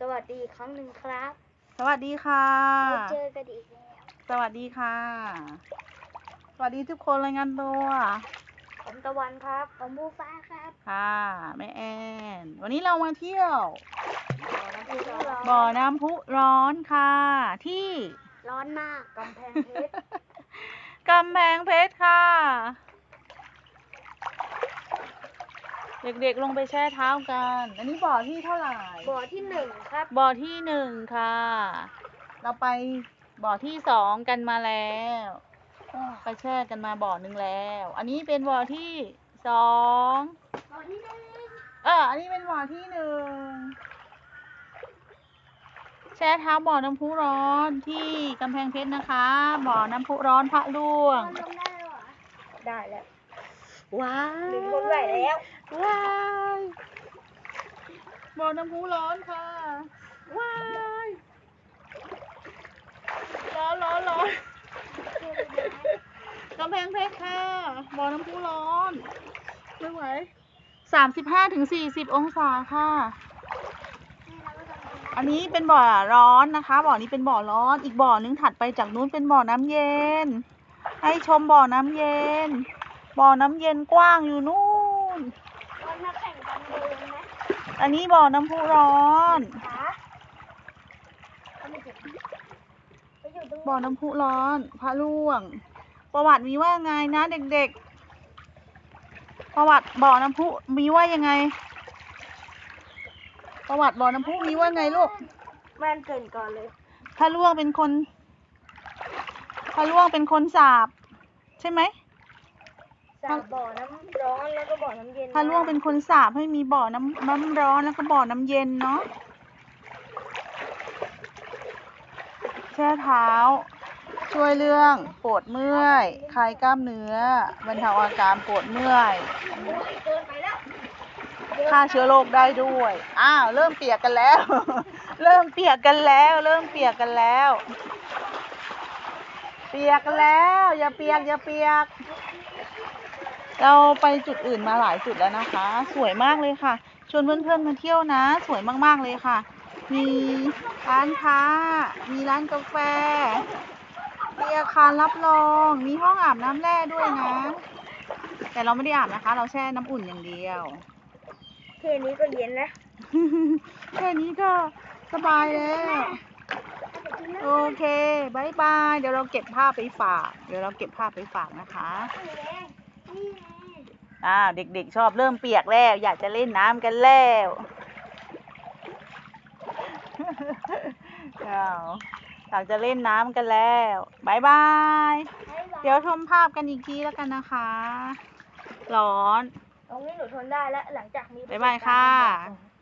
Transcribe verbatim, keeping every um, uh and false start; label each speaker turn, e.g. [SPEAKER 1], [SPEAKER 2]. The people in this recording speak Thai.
[SPEAKER 1] วัสดีอีกครั้งหนึ่งครับ
[SPEAKER 2] สวัสดีค่ะ
[SPEAKER 1] มาเจอกันอีกแล้ว
[SPEAKER 2] สวัสดีค่ะ สวัสดีทุกคนรายงานตัว
[SPEAKER 1] ผมตะวันครับผมบูฟ้าครับ
[SPEAKER 2] ค่ะแม่แอน วันนี้เรามาเที่ยว
[SPEAKER 1] บ่
[SPEAKER 2] บ่
[SPEAKER 1] อ
[SPEAKER 2] อ
[SPEAKER 1] น้ำ
[SPEAKER 2] น้ำพุร้อนค่ะ ที่
[SPEAKER 1] ร้อนมากกำแพงเพชร
[SPEAKER 2] กำแพงเพชรค่ะ เด็กๆลงไปแช่เท้ากัน อันนี้บ่อที่เท่าไหร่
[SPEAKER 1] บ่อที่หนึ่งครับ
[SPEAKER 2] บ่อที่หนึ่งค่ะ เราไปบ่อที่สองกันมาแล้วไปแช่กันมาบ่อหนึ่งแล้ว อันนี้เป็นบ่อที่สอง
[SPEAKER 1] บ่อที่หนึ่ง
[SPEAKER 2] เอออันนี้เป็นบ่อที่หนึ่งแช่เท้าบ่อน้ำพุร้อนที่กำแพงเพชรนะคะ บ่อน้ำพุร้อนพระล่วง
[SPEAKER 1] ทำได้แล้วเหรอ ได้แล้ว
[SPEAKER 2] ว้า
[SPEAKER 1] หนึ่งคนไหวแล้ว
[SPEAKER 2] ว้ายบ่อน้ำพุร้อนค่ะว้ายร้อนร้อนร้อนกำแพงเพชรค่ะบ่อน้ำพุร้อนไม่ไหวสามสิบห้าถึงสี่สิบองศาค่ะ อันนี้เป็นบ่อร้อนนะคะบ่อนี้เป็นบ่อร้อนอีกบ่อนึงถัดไปจากนู้นเป็นบ่อน้ำเย็นให้ชมบ่อน้ำเย็นบ่อน้ำเย็นกว้างอยู่นู่น
[SPEAKER 1] วันมาแข่งกันเดินไหม
[SPEAKER 2] อันนี้บ่อน้ำพุร้อน
[SPEAKER 1] ขาเอาไม่เจ็บไปอยู่ตรง
[SPEAKER 2] บ่อน้ำพุร้อนพระล่วง ประวัติมีว่าไงนะเด็กๆประวัติบ่อน้ำพุมีว่ายังไง ประวัติบ่อน้ำพุมีว่าไงลูก
[SPEAKER 1] แม่นเกินก่อนเลย
[SPEAKER 2] พระล่วงเป็นคนพระล่วงเป็นคนสาปใช่ไหม
[SPEAKER 1] สาบ่อน้ำร้อนแล้วก็บ่อน้ำเย็น
[SPEAKER 2] พระล่วงเป็นคนสาปให้มีบ่อน้ำน้ำร้อนแล้วก็บ่อน้ำเย็นเนาะแช่เท้าช่วยเรื่องปวดเมื่อยคลายกล้ามเนื้อบรรเทาอาการปวดเมื่อย
[SPEAKER 1] โอ้ยเกินไปแล้ว
[SPEAKER 2] ฆ่าเชื้อโรคได้ด้วย อ้าว เริ่มเปียกกันแล้ว เริ่มเปียกกันแล้ว เริ่มเปียกกันแล้ว เปียกกันแล้ว อย่าเปียก อย่าเปียก เราไปจุดอื่นมาหลายจุดแล้วนะคะ สวยมากเลยค่ะ ชวนเพื่อนๆมาเที่ยวนะ สวยมากๆเลยค่ะ มีร้านค้า มีร้านกาแฟ มีอาคารรับรอง มีห้องอาบน้ำแร่ด้วยนะ แต่เราไม่ได้อาบนะคะ เราแช่น้ำอุ่นอย่างเดียว
[SPEAKER 1] แค่นี้ก็เย็นแล้ว
[SPEAKER 2] แค่นี้ก็สบายแล้ว โอเคบายบาย เดี๋ยวเราเก็บภาพไปฝาก เดี๋ยวเราเก็บภาพไปฝากนะคะ อ่า เด็กๆชอบเริ่มเปียกแล้ว อยากจะเล่นน้ำกันแล้วอ้าวอยากจะเล่นน้ำกันแล้วบายบาย เดี๋ยวชมภาพกันอีกทีแล้วกันนะคะ ร้อน
[SPEAKER 1] ตรงนี้หนูทนได้แล้วหลังจากมี
[SPEAKER 2] บ๊ายบายค่ะ